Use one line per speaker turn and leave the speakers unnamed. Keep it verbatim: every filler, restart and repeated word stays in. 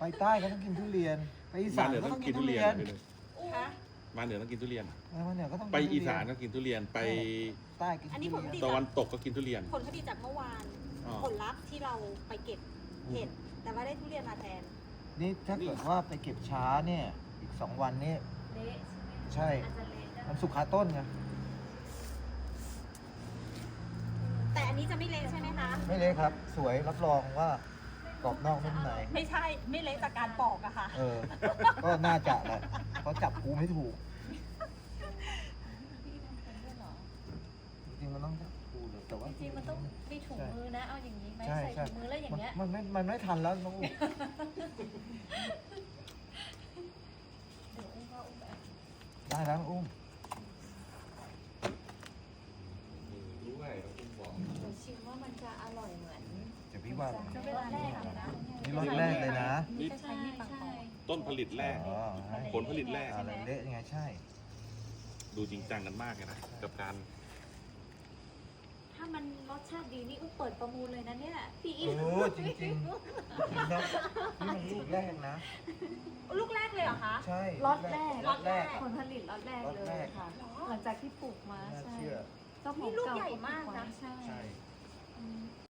ใต้ก็ต้องกินทุเรียนไปอีสานก็ต้องกินทุเรียน
คะ
มาเหนือต้องกินทุเรียน
เออมาเหนือก็ต้องกิน
ไป
ทุเรีย
อีสานก็กินทุเรียนไป
ใต้กินทุ
อัน
เรี
นี้
ย
ผลผลิต
ตะวันตกก็กินทุเรียน
ผลผลิตจากเมื่อวาน
อ๋อ
ผลลัพธ์ที่เราไปเก็บเห็ดแต่ว่าได้ทุเรียนมาแทน
นี่ถ้าเกิดว่าไปเก็บช้าเนี่ย อีกสองวันนี่
เละใช่ไหม
ใช่
อาจจะเละได้
มันสุกคาต้นไง
แต่อันนี้จะไม่เละใช่ไหมคะ
ไม่เละครับ สวยรับรองว่ากรอบนอกนุ่มใน
ไม่ใช่ไม่เละจากการปอกอะค่ะ
เออ ก็น่าจะแหละเพราะจับกูไม่ถูก
พี่ทำเป็นด้วยเหรอ
จริงๆมันต้องจับกูเลยแต่ว่า
จริงๆมันต้องมีถุงมือนะ เอาอย่างนี้ไหม
ใช่
ใส่
ใช่
ถุงมือแล้วอย่างเงี้ย
มันมันไม่มันไม่ทันแล้วน้องอุ้ม
เดี๋ยวอุ้มก็อุ้มแบบ
ได้แล้วน้องอุ้ม
ด้วยคุณบอก
เดี๋ยวชิมว่ามันจะอร่อยเหมือน
เดี๋ยวพี่ว่า
จะเวลาแรกอะนะ
นี่รสแรกเลยนะ
นี่
ใช่ใช่
ต้นผลิตแรก
อ๋อให้
ผลผลิตแรก
อะไรเละยังไงใช่
ดูจริงจังกันมากเลยนะกับการ
ถ้ามันรสชาติดีนี่อุ้มเปิดประมูลเลยนะเนี่ยพี่
โอ้จริงๆจริงๆนะนี่มันลูกแรกนะ
ลูกแรกเลยเหรอคะ
ใช่
ล็อตแรก
ล็อตแรก
ผลผลิตล็อตแรก
ล็อต
เล
แร
ย
ก
ค่ะ หลังจากที่ปลูกมา
น่า
ใช่
เชื่อ
เจ้าของ
นี่ลูก
เก่า
ใหญ่มากนะ
ใช่
ใช่
อืม